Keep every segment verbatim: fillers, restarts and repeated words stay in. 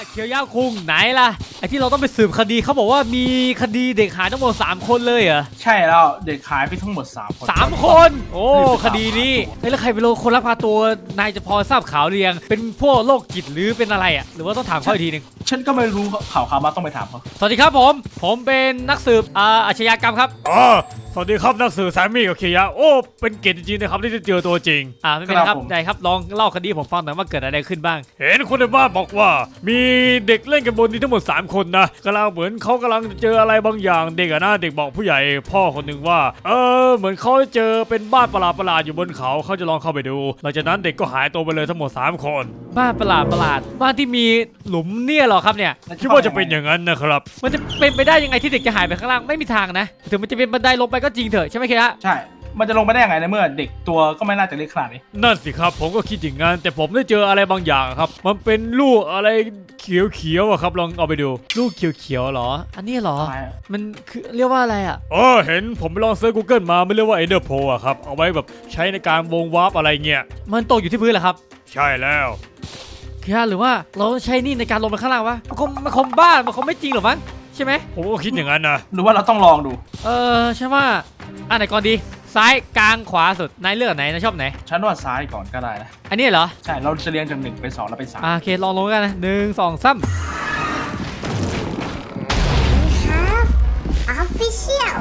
เคียวยาคุงไหนล่ะไอที่เราต้องไปสืบคดีเขาบอกว่ามีคดีเด็กหายทั้งหมดสามคนเลยเหรอใช่แล้วเด็กหายไปทั้งหมดสามคนสามคนโอ้คดีนี้แล้วใครเป็นคนลักพาตัวนายจะพอทราบข่าวหรือยังเป็นพวกโรคจิตหรือเป็นอะไรอ่ะหรือว่าต้องถามเขาอีกทีนึงฉันก็ไม่รู้ข่าวข่าวมาต้องไปถามเขาสวัสดีครับผมผมเป็นนักสืบอาชญากรรมครับอ๋อสวัสดีครับนักสืบแซมมี่กับเคียร์โอ้เป็นเกียรติจริงๆนะครับที่ได้เจอตัวจริงอ่าไม่เป็นไรครับได้ครับลองเล่าคดีผมฟังหน่อยว่าเกิดอะไรขึ้นบ้างเห็นคนในบ้านบอกว่ามีเด็กเล่นกันบนนี้ทั้งหมดสามคนนะกำลังเหมือนเขากำลังเจออะไรบางอย่างเด็กอะนะเด็กบอกผู้ใหญ่พ่อคนหนึ่งว่าเออเหมือนเขาเจอเป็นบ้านประหลาดประหลาดอยู่บนเขาเขาจะลองเข้าไปดูหลังจากนั้นเด็กก็หายตัวไปเลยทั้งหมดสามคนบ้านประหลาดประหลาดบ้านที่มีหลุมเนี่ยหรอครับเนี่ยคิดว่าจะเป็นอย่างนั้นนะครับมันจะเป็นไปได้ยังไงที่เด็กจะหายไปข้างล่างไม่มีทางนะถึงมันจะเป็นบันไดลงไปก็จริงเถอะใช่ไหไหมครับใช่มันจะลงไปได้ยังไงในเมื่อเด็กตัวก็ไม่น่าจะเล็กขนาดนี้นั่นสิครับผมก็คิดอย่างนั้นแต่ผมได้เจออะไรบางอย่างครับมันเป็นลูกอะไรเขียวๆอะครับลองเอาไปดูลูกเขียวๆหรออันนี้หรอมันคือเรียกว่าอะไรอ่ะเออเห็นผมไปลองเซิร์ช Google มาไม่เรียกว่า Ender Pearl อะครับเอาไว้แบบใช้ในการวงวาร์ปอะไรเงี้ยมันตกอยู่ที่พื้นเหรอครับใช่แล้วคือหรือว่าเราใช้นี่ในการลงไปข้างล่างวะมันคงมันคงบ้ามันคงไม่จริงหรอมั้งใช่ไหมผมก็คิดอย่างนั้นนะหรือว่าเราต้องลองดูเออใช่ว่าอันไหนก่อนดีซ้ายกลางขวาสุดนายเลือกไหนนายชอบไหนฉันว่าซ้ายก่อนก็ได้นะอันนี้เหรอใช่เราจะเรียงจากหนึ่งไปสองแล้วไปสามโอเคลองลงกันนะหนึ่งสองสาม Official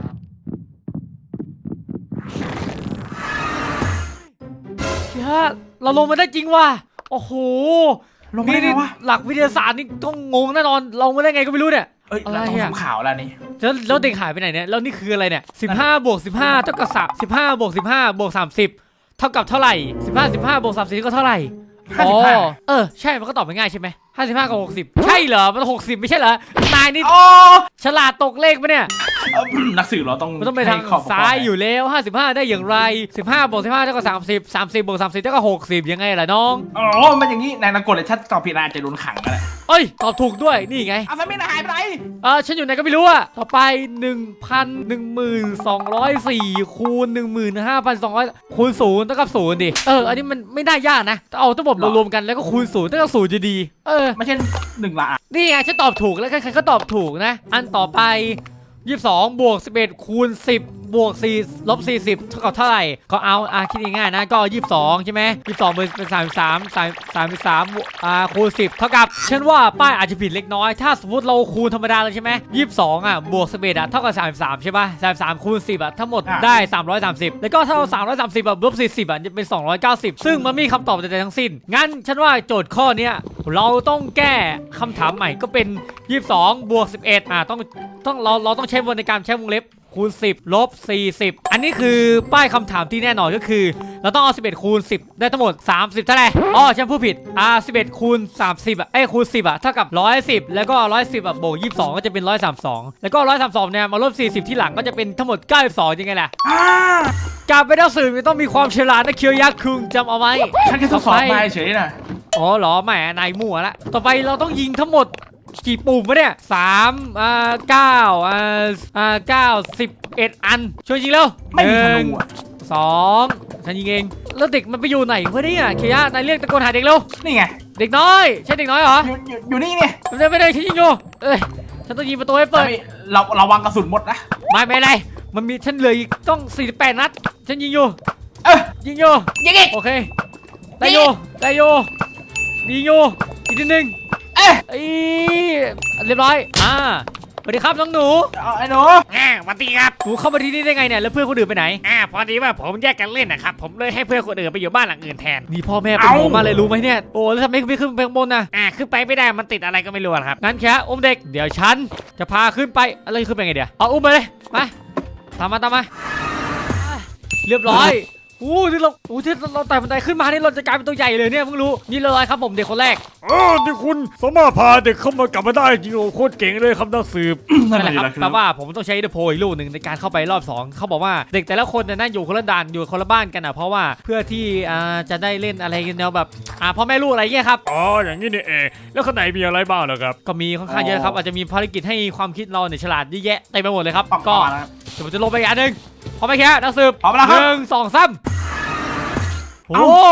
เฮ้ยเราลงมาได้จริงว่ะโอ้โหลงมาได้ไงวะหลักวิทยาศาสตร์นี่ต้องงงแน่นอนลงมาได้ไงก็ไม่รู้เนี่ยเอ้ยเราต้องทำข่าวแล้วนี่แล้วแล้วเด็กหายไปไหนเนี่ยแล้วนี่คืออะไรเนี่ยสิบห้าบวกสิบห้าเท่ากับสิบห้าบวกสิบห้าบวกสามสิบเท่ากับเท่าไหร่สิบห้า สิบห้าบวกสามสิบก็เท่าไหร่อ๋อเออใช่มันก็ตอบง่ายใช่ไหมห้าสิบห้ากับหกสิบใช่เหรอมันหกสิบไม่ใช่เหรอนายนี่ฉลาดตกเลขปะเนี่ยนักสืบเราต้องมันต้องไปทางซ้ายอยู่แล้วห้าสิบห้าได้อย่างไรสิบห้าบวกสิบห้าเท่ากับสามสิบ สามสิบบวกสามสิบเท่ากับหกสิบยังไงล่ะน้องอ๋อมันอย่างนี้นายนักกฎเลยถ้าตอบผิดนายจะโดนขังอะไรเอ้ยตอบถูกด้วยนี่ไงอ้าวไม่นายหายไปไหนเออฉันอยู่ไหนก็ไม่รู้อะต่อไป หนึ่งพันหนึ่งหมื่นสองร้อยสี่ คูณ หนึ่งหมื่นห้าพันสองร้อย คูณศูนย์เท่ากับศูนย์ดิเอออันนี้มันไม่ได้ยากนะเอาทั้งหมดมารวมกันแล้วก็คูณศูนย์เท่ากับศูนย์จะดีเออไม่ใช่หนึ่งละนี่ไงฉันตอบถูกแล้วใครๆก็ตอบถูกนะอันต่อไปยี่สิบสองบวกสิบเอ็ดคูณสิบบวกสี่ลบสี่สิบเท่ากับเท่าไหร่ก็เอาอ่ะคิดง่ายๆนะก็ยี่สิบสองใช่ไหมยี่สิบสองเป็นสามสิบสามสามสามสิบสามอ่าคูณสิบเท่ากับฉันว่าป้ายอาจจะผิดเล็กน้อยถ้าสมมติเราคูณธรรมดาเลยใช่ไหมยี่สิบสองอ่ะบวกสิบเอ็ดอ่ะเท่ากับสามสิบสามใช่ป่ะสามสิบสามคูณสิบอ่ะทั้งหมดได้สามร้อยสามสิบแล้วก็ถ้าเราสามร้อยสามสิบอ่ะลบสี่สิบอ่ะจะเป็นสองร้อยเก้าสิบซึ่งมันไม่มีคำตอบใดๆทั้งสิ้นงั้นฉันว่าโจทย์ข้อนี้เราต้องแก้คำถามใหม่ก็เป็นยี่สิบสองบวกสิบเอ็ดอ่ะต้องต้องเราเราต้องใช้วงในการใช้วงเล็บคูณสิบลบสี่สิบอันนี้คือป้ายคำถามที่แน่นอนก็คือเราต้องเอาสิบเอ็ดคูณสิบได้ทั้งหมดสามสิบเท่าไหร่อ๋อฉันพูดผิดอ่าสิบเอ็ดคูณสามสิบอ่ะเอ้คูณสิบอ่ะเท่ากับหนึ่งร้อยสิบแล้วก็หนึ่งร้อยสิบอ่ะบวกยี่สิบสองก็จะเป็นหนึ่งร้อยสามสิบสองแล้วก็หนึ่งร้อยสามสิบสองเนี่ยมาลบสี่สิบที่หลังก็จะเป็นทั้งหมดเก้าสิบสองยังไงล่ะการเป็นนักสืบมันต้องมีความฉลาดนะเคียวยักษ์คุงจำเอาไว้ฉันแค่ทดสอบนายเฉยนะอ๋อเหรอแหมนายมั่วละต่อไปเราต้องยิงทั้งหมดกี่ปุ่มวะเนี่ยสามอ่าเก้าอ่าอ่าเก้าสิบเอ็ดอันช่วยยิงเร็วไม่มีธนูสองฉันยิงเองแล้วเด็กมันไปอยู่ไหนวะเนี่ยเคียนายเรียกตะโกนหาเด็กเร็วนี่ไงเด็กน้อยใช่เด็กน้อยเหรออยู่อยู่นี่เนี่ยไม่ได้ไม่ได้ฉันยิงอยู่เอ้ยฉันต้องยิงประตูให้เปิดเราเราวางกระสุนหมดนะไม่ไม่ไรมันมีฉันเหลืออีกต้องสี่สิบแปดนัดฉันยิงอยู่เออยิงอยู่ยิงอีกโอเคได้อยู่ได้อยู่ยิงอยู่อีกนิดนึงเอ๊ะเรียบร้อยอ่าสวัสดีครับน้องหนูไอ้หนูอ่าสวัสดีครับหนูเข้ามาที่นี่ได้ไงเนี่ยแล้วเพื่อนคนอื่นไปไหนอ่าพอดีว่าผมแยกกันเล่นนะครับผมเลยให้เพื่อนคนอื่นไปอยู่บ้านหลังอื่นแทนนี่พ่อแม่เป็นห่วงมาเลยรู้ไหมเนี่ยโอ้แล้วทำไมไม่ขึ้นไปข้างบนนะอ่าขึ้นไปไม่ได้มันติดอะไรก็ไม่รู้ครับงั้นแค่อุ้มเด็กเดี๋ยวฉันจะพาขึ้นไปอะไรขึ้นไปไงเดี๋ยวเอาอุ้มไปเลยมาตามมาตามมาเรียบร้อยอู้ที่เราอู้ที่เราไต่บันไดขึ้นมานี่เราจะกลายเป็นตัวใหญ่เลยเนี่ยเพิ่งรู้นี่เลยครับผมเด็กคนแรกอ๋อที่คุณสามารถพาเด็กเข้ามากลับมาได้จริงโอ้โคตรเก่งเลยครับนักสืบนั่นแหละครับแต่ว่าผมต้องใช้เดอะโพอีกลูกหนึ่งในการเข้าไปรอบสองเขาบอกว่าเด็กแต่ละคนนั่งอยู่คนละด่านอยู่คนละบ้านกันอ่ะเพราะว่าเพื่อที่จะได้เล่นอะไรกันแนวแบบอ่าพ่อแม่ลูกอะไรเงี้ยครับอ๋ออย่างนี้นี่เองแล้วข้างในมีอะไรบ้างเหรอครับก็มีค่อนข้างเยอะครับอาจจะมีภารกิจให้ความคิดเราเนี่ยฉลาดเยอะแยะเต็มไปหมดเลยครับก็เดี๋ยวผมจะลงไปอันหนึ่งพร้อมไหมแค่นักสืบหนึ่งสองสามโอ้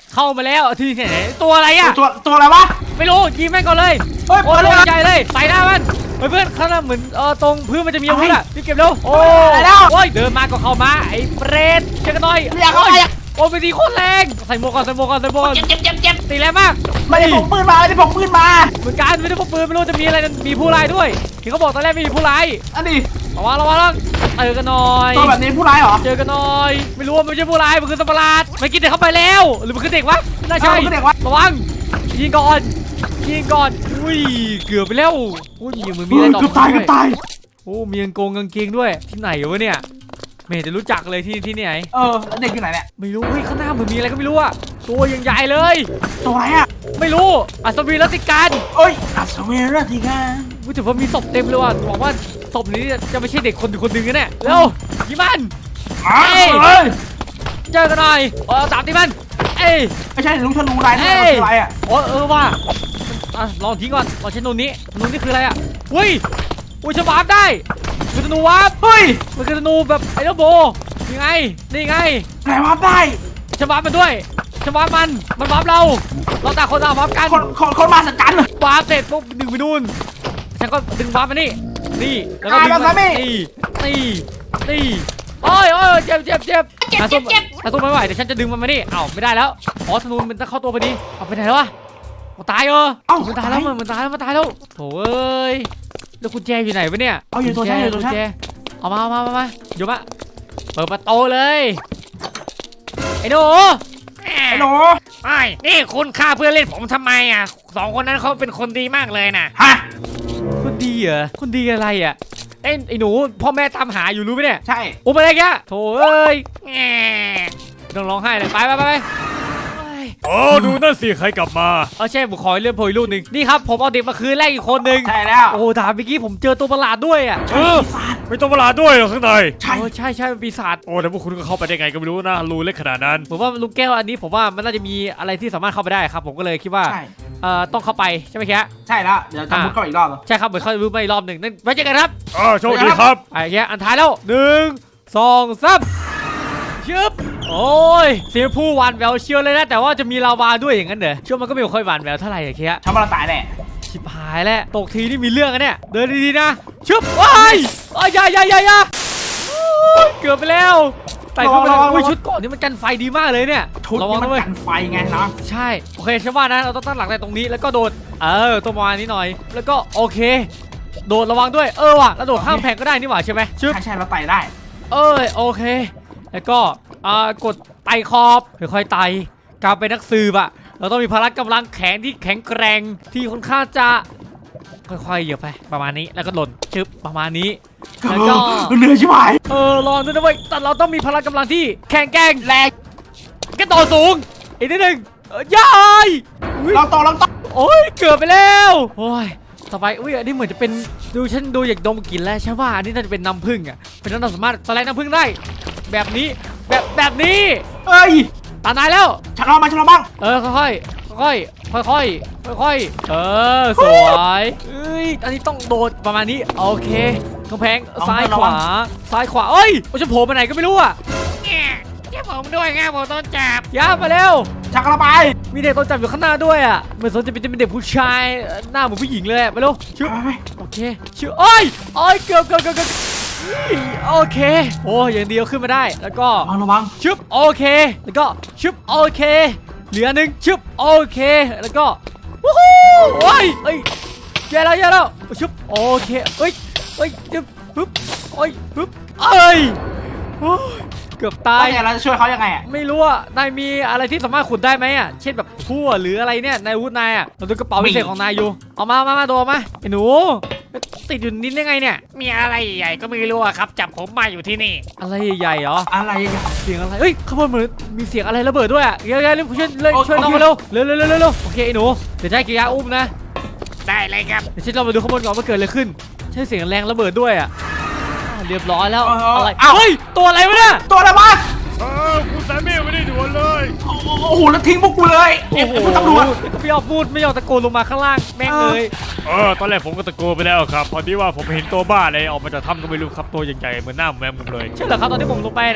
เข้ามาแล้วที่ไหนตัวอะไรอ่ะตัวตัวอะไรวะไม่รู้ยิงแม่งก่อนเลยเฮ้ยโอ้เปิยดเลยใหญ่เลยใส่หน้ามันเฮ้ยเพื่อนข้างหน้าเหมือนเออตรงพื้นมันจะมีอาวุธอ่ะรีบเก็บเร็วโอ้ไปแล้วโอ้ยเดินมาก็เข้ามาไอ้เปรตเจอกันหน่อยไม่อยากเข้าไปอ่ะโอ้ยไปตีโคตรแรงใส่หมวกก่อนใส่หมวกก่อนใส่หมวกก่อนเจ็บเจ็บเจ็บเจ็บตีแรงมากไม่ได้พกปืนมาไม่ได้พกปืนมาเหมือนกันไม่ได้พกปืนไม่รู้จะมีอะไรกันมีผู้ร้ายด้วยที่เขาบอกตอนแรกไม่มีผู้ร้ายอันนี้ระวังระวังระวังเจอกันหน่อยตัวแบบนี้ผู้ร้ายเหรอเจอกันหน่อยไม่รู้ว่ามันไม่ใช่ผู้ร้ายมันคือสัตว์ประหลาดมันกินเด็กเข้าไปแล้วหรือมันคือเด็กวะน่าใช่เออมันคือเด็กวะระวังยิงก่อนยิงก่อนอุ้ยเกือบไปแล้วอุ้ยมีมือมีอะไรต่อเกือบตายเกือบตายโอ้มีกางโกงกางเกงด้วยที่ไหนวะเนี่ยไม่เห็นจะรู้จักเลยที่ที่ไหนเออแล้วเด็กอยู่ไหนเนี่ยไม่รู้เฮ้ยข้างหน้าเหมือนมีอะไรก็ไม่รู้อะตัวยังใหญ่เลยตัวอะไรอ่ะไม่รู้อัศวินรัตติการเอ้ยอัศวินราธิการู้แต่ว่ามีศพเต็มเลยว่ะหวังว่าศพนี้จะไม่ใช่เด็กคนคนหนึ่งนะเนี่ยเร็วยิงมันอ้าวเอ้ยเอ้ยเจอกันหน่อยเออตามตีมันเอ้ยไม่ใช่ลุงธนูลายนี่เอ้มันยคืออะไรอ่ะโอ้เออว่าอ่ะลองทิ้งก่อนลองใช้นูนนี้นูนนี่คืออะไรอ่ะอุ้ยอุ้ยฉันวาร์ปได้คือธนูวาร์ปเฮ้ยมันคือธนูแบบไอ้เจ้าโบยังไงนี่ไงไหนวาร์ปได้ฉันวาร์ปมันด้วยฉันวาร์ปมันมันวาร์ปเราเราต่างคนต่างวาร์ปกันคนคนคนมาสัจจันเลยวาร์ปเสร็จปุ๊บดึงไปนู่นฉันก็ดึงวาร์ปมานี่นี่แล้วก็อ่าดึงแบบมานั้นนี่นี่นี่นี่โอ้ยโอ้ยเจ็บเจ็บเจ็บหาตัวหาตัวไม่ไหวเดี๋ยวฉันจะดึงมันมานี่เอ้าไม่ได้แล้วอ๋อธนูมันจะเข้าตัวพอดีเอาไปไหนแล้ววะเอาตายเออเอ้ามันตายแล้วมันมันตายแล้วมันตายแล้วโถ่เอ้ยแล้วกุญแจอยู่ไหนวะเนี่ยเอาอยู่ตัวฉันอยู่ตัวฉันกุญแจเอามาเอามาเอามาเดี๋ยวมาเปิดประตูเลยไอ้หนูไอ้หนูไอ้ยนี่คุณฆ่าเพื่อนเล่นผมทำไมอ่ะสองคนนั้นเขาเป็นคนดีมากเลยนะฮะคนดีเหรอคนดีอะไรอ่ะไอ้ไอ้หนูพ่อแม่ตามหาอยู่รู้ไหมเนี่ยใช่โอ้ไปอะไรแกโถ่เอ้ยแง่ต้องร้องไห้เลยไปไปไปไปเฮ้ยโอ้ดูนั่นสิใครกลับมาเอาใช่ผมขอเรื่องโพยลูกหนึ่งนี่ครับผมเอาเด็กมาคืนแรกอีกคนหนึ่งใช่แล้วโอ้ถามเมื่อกี้ผมเจอตัวประหลาดด้วยอ่ะเออไม่ต้องประหลาดด้วยเหรอข้างในใช่โอ้ใช่ใช่เป็นปีศาจโอ้แต่พวกคุณก็เข้าไปได้ไงก็ไม่รู้นะรูเล็กขนาดนั้นผมว่าลูกแก้วอันนี้ผมว่ามันน่าจะมีอะไรที่สามารถเข้าไปได้ครับผมก็เลยคิดว่าใช่เอ่อต้องเข้าไปใช่ไหมแค่ใช่แล้วเดี๋ยวจะมุดเข้าไปอีกรอบเหรอใช่ครับเหมือนเขารู้มาอีกรอบหนึ่งนั่นไว้เจอกันครับเออโชคดีครับไอ้แค่อันท้ายแล้วหนึ่งสองสามชึบโอ้ยเสียงผู้หวานแววเชียวเลยนะแต่ว่าจะมีลาวาด้วยอย่างนั้นเหรอเชื่อมันก็ไม่ค่อยหวานแววเท่าไหร่อะแค่ฉันว่าเราตายแน่ชิบหายแล้วตกทีนี่มีเรื่องกันเนี่ยเดินดีๆนะชึบว้ายอ้ายอยาอยาอยาอยาโอ้ยเกือบไปแล้วใส่เข้าไปเลยอุ้ยชุดเกาะนี่มันกันไฟดีมากเลยเนี่ยชุดระวันี้งมันนะเว้ยกันไฟไงนะใช่โอเคฉันว่านะเราต้องตั้งหลักในตรงนี้แล้วก็โดดเออตัวประมาณนี้หน่อย แล้วก็โอเค โดดระวังด้วยเออว่ะแล้วโดดข้ามแพงก็ได้นี่หว่าใช่ไหมชึบใช่ใช่เราไต่ได้เอ้ยโอเค แล้วก็อ่ากดไต่ขอบค่อยๆไต่การเป็นนักสืบอะเราต้องมีพละกำลังแข็งที่แข็งแกร่งที่ค่อนข้างจะค่อยๆเหยียบไปประมาณนี้แล้วก็หล่นชึบประมาณนี้แล้วก็เหนื่อยชิบหายเออรอด้วยนะเว้ยแต่เราต้องมีพละกำลังที่แข็งแกร่งแรงกระโดดสูงอีกนิดนึงเอ้ยยายอุ๊ยเราโตเราโตโอ้ยเกือบไปแล้วโอ้ยต่อไปอุ้ยอันนี้เหมือนจะเป็นดูฉันดูอยากดมกลิ่นแล้วใช่ว่าอันนี้น่าจะเป็นน้ำผึ้งอ่ะเป็นน้ำสามารถสไลด์น้ำผึ้งได้ แบบนี้แบบแบบนี้เอ้ยตานายแล้วฉันรอมาฉันรอบ้างเออค่อยๆค่อยๆค่อยๆค่อยๆเออสวยเอ้ยอันนี้ต้องโดดประมาณนี้โอเคกำแพงซ้ายขวาซ้ายขวาเอ้ยโอ้ยจะโผล่ไปไหนก็ไม่รู้อ่ะแง่เจ้าผมด้วยไงผมต้องจับย่ามาเร็วฉันกำลังไปมีเด็กตัวจับอยู่ข้างหน้าด้วยอ่ะเหมือนสนจะเป็นจะเป็นเด็กผู้ชายเอ่อหน้าเหมือนผู้หญิงเลยอะไปเร็วชื่อไปไปโอเคชื่อโอ้ยโอ้ยเกือบเกือบเกือบเกือบโอเคโอ้ยอย่างเดียวขึ้นมาได้แล้วก็ระวังระวังชึบโอเคแล้วก็ชึบโอเคเหลือหนึ่งชึบโอเคแล้วก็วู้ฮู้โอ้ยเอ้ยแย่แล้วแย่แล้วชึบโอเคเอ้ยเอ้ยชึบปึ๊บโอ้ยปึ๊บเอ้ยโอ้ยเกือบตาตาย ยเราจะช่วยเขายังไงอ่ะไม่รู้อ่ะนายมีอะไรที่สามารถขุดได้ไหมอ่ะเช่นแบบพั่วหรืออะไรเนี่ยในอาวุธนายอ่ะเราดูกระเป๋าพิเศษของนายอยู่เอามามามาโดมาไอ้หนูติดอยู่นิดได้ไงเนี่ยมีอะไรใหญ่ก็ไม่รู้อะครับจับผมมาอยู่ที่นี่อะไรใหญ่ๆเหรออะไรอ่ะเสียงอะไรเฮ้ยข้างบนเหมือนมีเสียงอะไรระเบิดด้วยอ่ะเร็วๆเร็วช่วยเลยโอเคช่วยน้องมาเร็วเร็วเร็วเร็วเร็วเร็วโอเคไอ้หนูเดี๋ยวจะให้กิยาอุ้มนะได้เลยครับเดี๋ยวฉันเรามาดูข้างบนก่อนว่าเกิดอะไรขึ้นใช่เสียงแรงระเบิดด้วยอ่ะอ่าเรียบร้อยแล้วอะไรเฮ้ยตัวอะไรวะเนี่ยตัวอะไรวะเออคุณสามีไม่ได้ด่วนเลยโอ้โหแล้วทิ้งพวกกูเลยเอ็มคุณตำรวจไม่ยอมพูดไม่ยอมตะโกนลงมาข้างล่างแม่งเลยเออตอนแรกผมก็ตะโกนไปแล้วครับพอดีว่าผมเห็นตัวบ้าอะไรออกมาจากถ้ำก็ไม่รู้ครับตัวใหญ่ๆเหมือนหน้าแมวมุมเลยใช่เหรอครับตอนที่ผมลงไปนะใ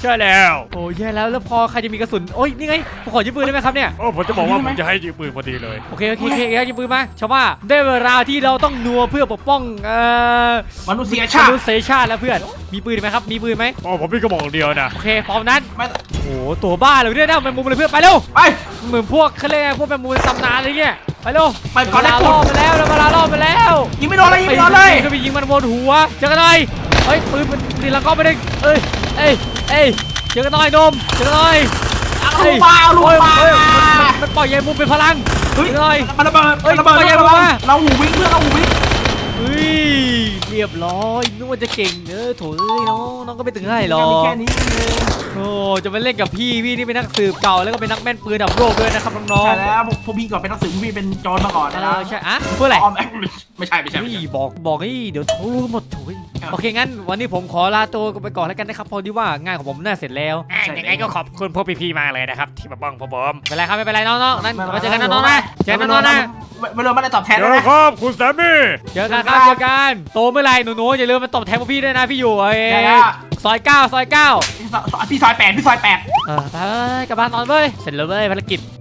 ใช่แล้วโอ้ยแย่แล้วแล้วพอใครจะมีกระสุนโอ้ยนี่ไงผมขอยืมปืนได้ไหมครับเนี่ยโอ้ผมจะบอกว่าผมจะให้ยืมปืนพอดีเลยโอเคโอเคโอเคยืมปืนมาชาวว่าได้เวลาที่เราต้องนัวเพื่อปกป้องเอ่อมนุษยมชาตินุษยชาติแล้วเพื่อนมีปืนไหมครับมีปืนไหมโอ้ผมมีกระบอกเดียวนะโอเคพร้อมนั้นไม่โอ้โหตัวบ้าเลยเนี่ยนะแมงมุมเลยเพื่อนไปเร็วไปเหมือนพวกเขาเรียกไงพวกแมงมุมในตำนานอะไรเงี้ยไปเร็วไปก่อนเวได้ลาปุ๊ล่อบ มาแล้วแล้วเวลาล่อมาแล้วยิงไม่โดนเลยยิงไม่โดนเลยก็ไปยิงมันบนหัวเจอกันหน่อยเฮ้ยปืนมันตีลังก็ไม่ได้เอ้ยเอ้ยเอ้ยเจอกันหน่อยนมเจอกันหน่อยเอาลูกมาเอาลูกมาเฮ้ยมันมันปล่อยใยมุมเป็นพลังเฮ้ยเจอกันหน่อยมันระเบิดเฮ้ยระเบิดไปยังระเบิดมาเราหูวิ่งเพื่อนเราหูวิ่งเฮ้ยเรียบร้อยนึกว่าจะเก่งเออโถเอ้ยน้องน้องก็ไม่ถึงให้หรอกมีแค่นี้เองโอ้จะมาเล่นกับพี่พี่นี่เป็นนักสืบเก่าแล้วก็เป็นนักแม่นปืนดับโลกด้วยนะครับน้องใช่แล้วพวกพวกพี่ก่อนเป็นนักสืบพวกพี่เป็นโจรมาก่อนๆเอนะอใช่อะเพื่ออะไรออมแอคไม่ใช่ไม่ใช่ไม่เฮ้ยใช่บอกบอกนี่เดี๋ยวเขารู้หมดโถุยโอเคงั้นวันนี้ผมขอลาตัวไปก่อนแล้วกันนะครับเพอดีว่างานของผมน่าเสร็จแล้วอ่ะยังไงก็ขอบคุณพวกพี่ๆมากเลยนะครับที่มาบ้องพวกผมไม่เป็นไรครับไม่เป็นไรน้องๆนั่นมาเจอกันนะน้องๆนะเจอกันนะน้องๆนะไม่รู้ไม่ได้ตอบแทนเดี๋ด้วยยวนะครับคุณแซมมี่เจอกันครับเจอกันโตเมื่อไหรหนูๆอย่าลืมมาตบแทนพวกพี่ด้วยนะพี่อยู่ไอ้ใช่แล้วซอยเก้าซอยเก้าพี่ซอยแปดพี่ซอยแปดเออไปๆกลับบ้านนอนเว้ยเสร็จแล้วเว้ยภารกิจ